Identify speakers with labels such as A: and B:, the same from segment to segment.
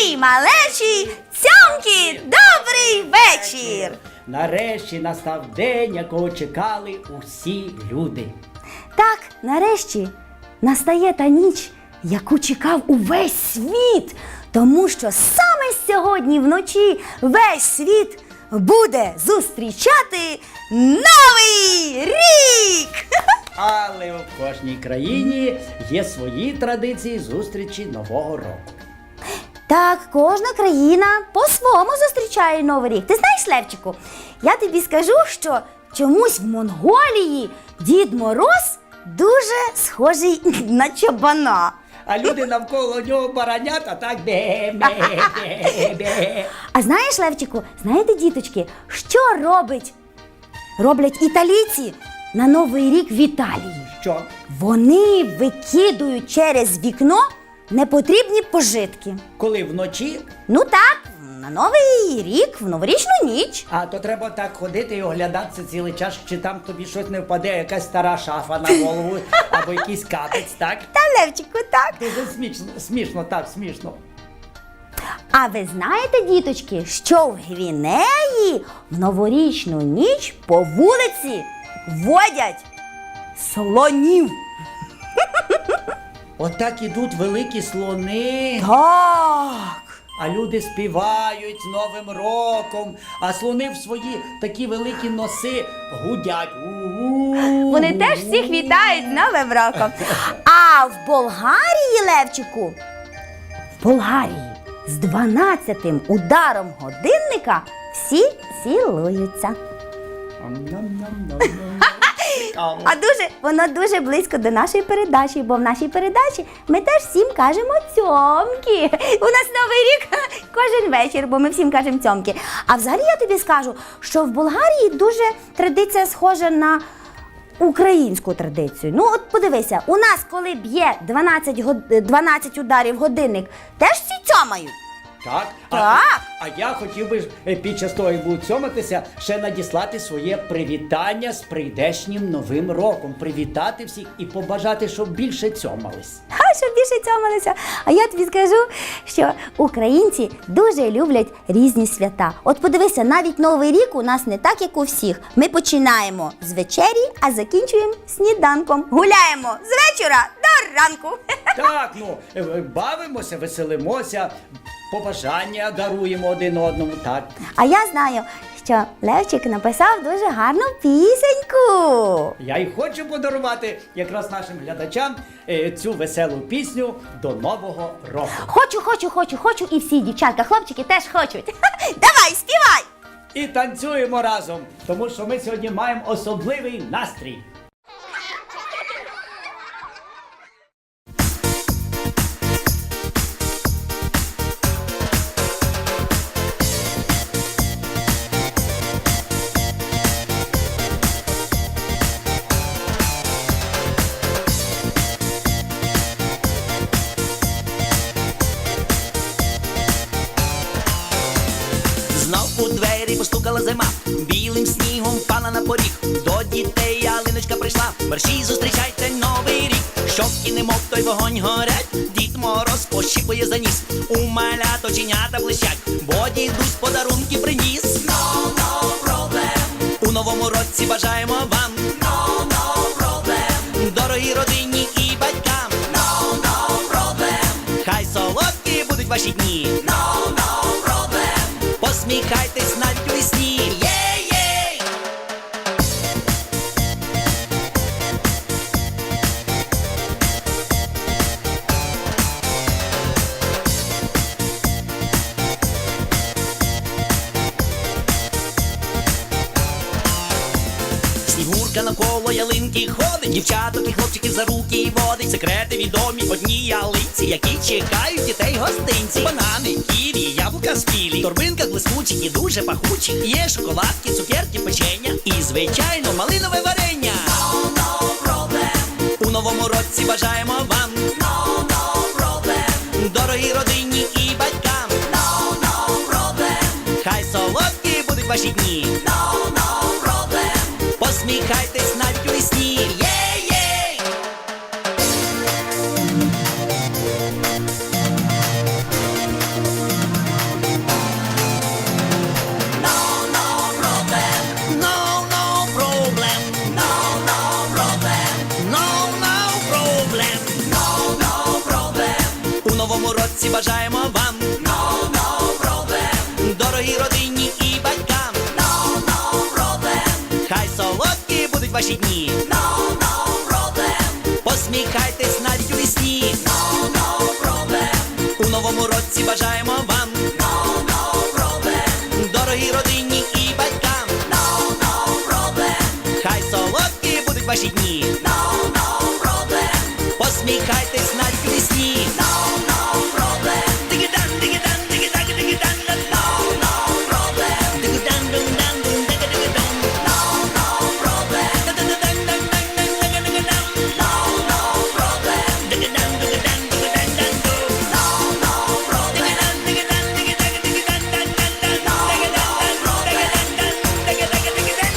A: любі малечі, цьомки, добрий вечір!
B: Нарешті настав день, якого чекали усі люди.
A: Так, нарешті настає та ніч, яку чекав увесь світ, тому що саме сьогодні вночі весь світ буде зустрічати Новий рік!
B: Але в кожній країні є свої традиції зустрічі Нового року.
A: Так, кожна країна по-своєму зустрічає Новий рік. Ти знаєш, Левчику, я тобі скажу, що чомусь в Монголії Дід Мороз дуже схожий на чобана.
B: А люди навколо нього баранят, а так бе-бе-бе-бе.
A: А знаєш, Левчику, знаєте, діточки, що роблять італійці на Новий рік в Італії?
B: Що?
A: Вони викидують через вікно непотрібні пожитки.
B: Коли вночі,
A: Ну так, на Новий рік, в новорічну ніч.
B: а то треба так ходити і оглядатися цілий час, чи там тобі щось не впаде, якась стара шафа на голову, або якийсь капець, так?
A: Та, Левчику, так.
B: Дуже смішно, так, смішно.
A: А ви знаєте, діточки, що в Гвінеї в новорічну ніч по вулиці водять слонів?
B: Отак ідуть великі слони,
A: Так.
B: а люди співають з Новим роком, а слони в свої такі великі носи гудять. У-у-у.
A: Вони теж всіх вітають з Новим роком. А в Болгарії, Левчику, в Болгарії з 12-тим ударом годинника всі цілуються.
B: Ам-ням-ням-ням-ням. Цікаво.
A: А воно дуже близько до нашої передачі, бо в нашій передачі ми теж всім кажемо цьомки. У нас Новий рік кожен вечір, бо ми всім кажемо цьомки. А взагалі я тобі скажу, що в Болгарії дуже традиція схожа на українську традицію. Ну от подивися, у нас коли б'є 12 ударів годинник, теж всі цьомають.
B: Так?
A: Так.
B: А я хотів би під час того, як буду цьоматися, ще надіслати своє привітання з прийдешнім Новим роком. Привітати всіх і побажати, щоб більше цьомались.
A: Щоб більше цьомалися. А я тобі скажу, що українці дуже люблять різні свята. От подивися, навіть Новий рік у нас не так, як у всіх. Ми починаємо з вечері, а закінчуємо сніданком. Гуляємо з вечора до ранку.
B: Так, бавимося, веселимося, побажання даруємо один одному, так.
A: А я знаю, що Левчик написав дуже гарну пісеньку.
B: Я й хочу подарувати якраз нашим глядачам цю веселу пісню до Нового року.
A: Хочу, і всі дівчатка, хлопчики теж хочуть. Давай, співай!
B: І танцюємо разом, тому що ми сьогодні маємо особливий настрій.
C: Знов у двері постукала зима, білим снігом впала на поріг. До дітей ялиночка прийшла, мерщій зустрічайте Новий рік. Щоки немов той вогонь горять, Дід Мороз пощіпує за ніс. У малят оченята блищать, бо дідусь подарунки приніс. No problem. У новому році бажаємо вам No problem. Дорогі родині і батькам No problem. Хай солодкі будуть ваші дні No problem. Посміхайтесь навіть у вісні. Єй-єй! Снігурка навколо ялинки ходить, дівчаток і хлопчиків за руки водить. Секрети відомі одній ялинці, які чекають дітей гостинці. Банани, ківі, яблука спілі, в торбинках блискучі і дуже пахучі. Є шоколадки, цукерки, печення і, звичайно, малинове варення. No problem. У новому році бажаємо вам No problem. Дорогі родині і батькам No problem. Хай солодкі будуть ваші дні No problem. Посміхайтесь навіть у вісні. Єй-єй! році бажаємо вам. Дорогі родині і батькам. Хай солодкі будуть ваші дні. Посміхайтесь навіть у вісні. У новому році бажаємо вам. Дорогі родині і батькам. Хай солодкі будуть ваші дні. Посміхайтесь навіть у вісні. Диги-дан, диги-дан, диги-дан, диги-дан, диги-дан, дун-дан, дун, диги-диги-дун. Диги-дан, диги-дан, диги-дан, дан-ду. Диги-дан, диги-дан, диги-дан, диги-дан, дан-дан-дан. Диги-дан, диги-дан,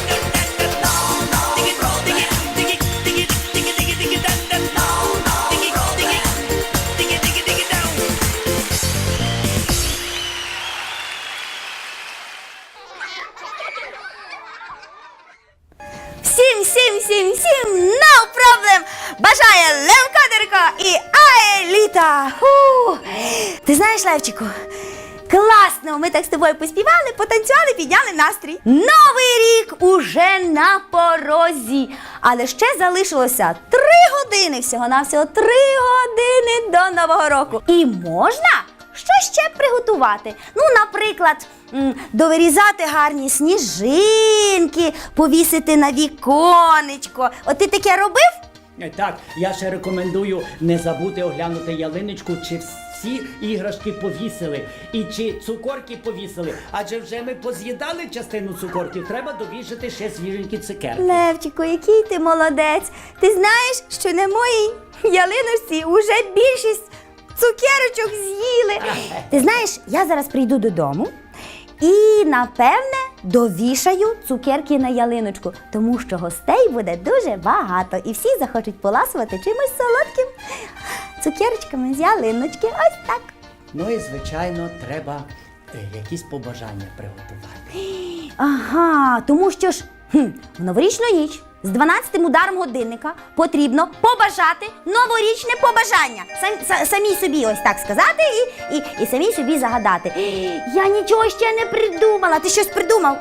A: Всім, no problem! Бажає Левко Дерко і Аеліта! Фу. Ти знаєш, Левчику, класно! Ми так з тобою поспівали, потанцювали, підняли настрій. Новий рік уже на порозі. Але ще залишилося 3 години, всього-навсього 3 години до Нового року. І можна що ще приготувати? Ну, наприклад, довирізати гарні сніжинки, повісити на віконечко. От ти таке робив?
B: Так, я ще рекомендую не забути оглянути ялиночку, чи всі іграшки повісили, і чи цукорки повісили. Адже вже ми поз'їдали частину цукорків, треба довішати ще свіженькі цукерки.
A: Левчику, який ти молодець. Ти знаєш, що на моїй ялиночці уже більшість цукерочок з'їли. Ти знаєш, я зараз прийду додому і, напевне, довішаю цукерки на ялиночку, тому що гостей буде дуже багато і всі захочуть поласувати чимось солодким цукерочками з ялиночки. Ось так.
B: Ну і, звичайно, треба якісь побажання приготувати.
A: Ага, тому що ж в новорічну ніч з 12-м ударом годинника потрібно побажати новорічне побажання. Самій собі ось так сказати і самій собі загадати. Я нічого ще не придумала. Ти щось придумав?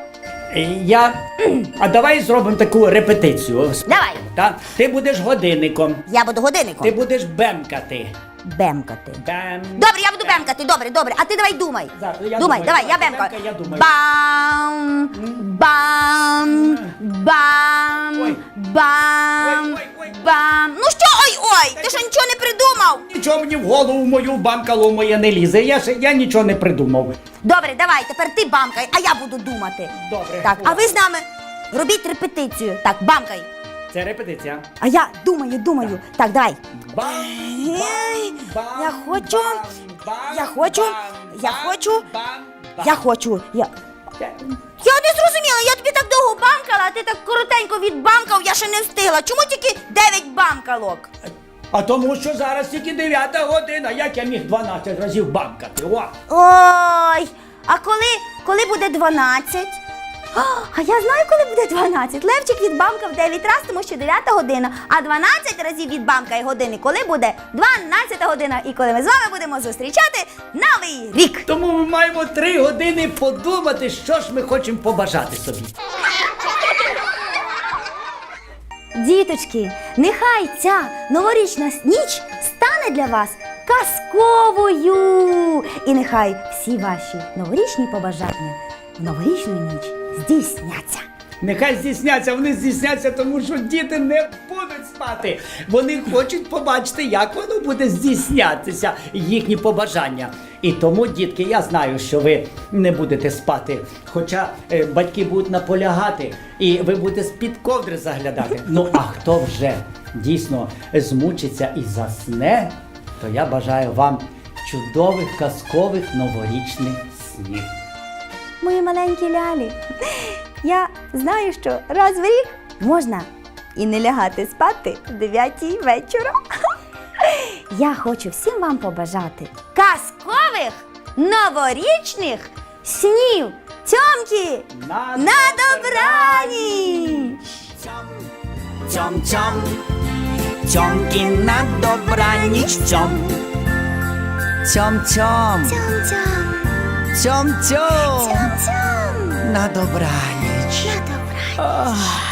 B: А давай зробимо таку репетицію.
A: Давай.
B: Так? Ти будеш годинником,
A: Я буду годинником.
B: ти будеш бемкати.
A: Бемкати.
B: Бем.
A: Добре, я буду бемкати, добре. А ти давай думай.
B: Зараз, я
A: Думай,
B: думаю.
A: давай, я
B: Бемка,
A: бемкаю.
B: я думаю.
A: Бам, бам, бам,
B: Ой.
A: бам,
B: Ой.
A: бам. Ну що, ой, ти що нічого не придумав?
B: Нічого мені в голову мою бамкало моє не лізе, я нічого не придумав.
A: Добре, давай, тепер ти бамкай, а я буду думати.
B: Добре.
A: Так, а ви з нами робіть репетицію. Так, бамкай.
B: Це репетиція.
A: А я думаю. Так, давай.
B: Бам,
A: Ей,
B: бам,
A: я хочу,
B: бам,
A: я хочу,
B: бам,
A: я
B: бам,
A: хочу,
B: бам, бам.
A: я хочу. Я не зрозуміла, я тобі так довго бамкала, а ти так коротенько відбамкав, я ще не встигла. Чому тільки 9 бамкалок?
B: А тому що зараз тільки 9 година, як я міг 12 разів бамкати? О!
A: Ой, а коли буде 12? А я знаю, коли буде 12. Левчик відбамкав 9 разів, тому що 9 година. А 12 разів відбамкає години, коли буде 12 година. І коли ми з вами будемо зустрічати Новий рік.
B: Тому ми маємо 3 години подумати, що ж ми хочемо побажати собі.
A: Діточки, нехай ця новорічна ніч стане для вас казковою. І нехай всі ваші новорічні побажання в новорічну ніч здійсняться.
B: Нехай здійсняться, вони здійсняться, тому що діти не будуть спати. Вони хочуть побачити, як воно буде здійснятися, їхні побажання. І тому, дітки, я знаю, що ви не будете спати. Хоча батьки будуть наполягати, і ви будете з-під ковдри заглядати. Ну, а хто вже дійсно змучиться і засне, то я бажаю вам чудових, казкових новорічних снів.
A: Мої маленькі лялі, я знаю, що раз в рік можна і не лягати спати в 9-й вечора. Я хочу всім вам побажати казкових новорічних снів. Цьомки, на добраніч!
C: Цьом, цьомки на добраніч, цьом. Цьом-цьом.
A: Цьом-цьом.
C: Цьом-цьом.
A: Цьом-цьом.
C: На добраніч.
A: На добраніч.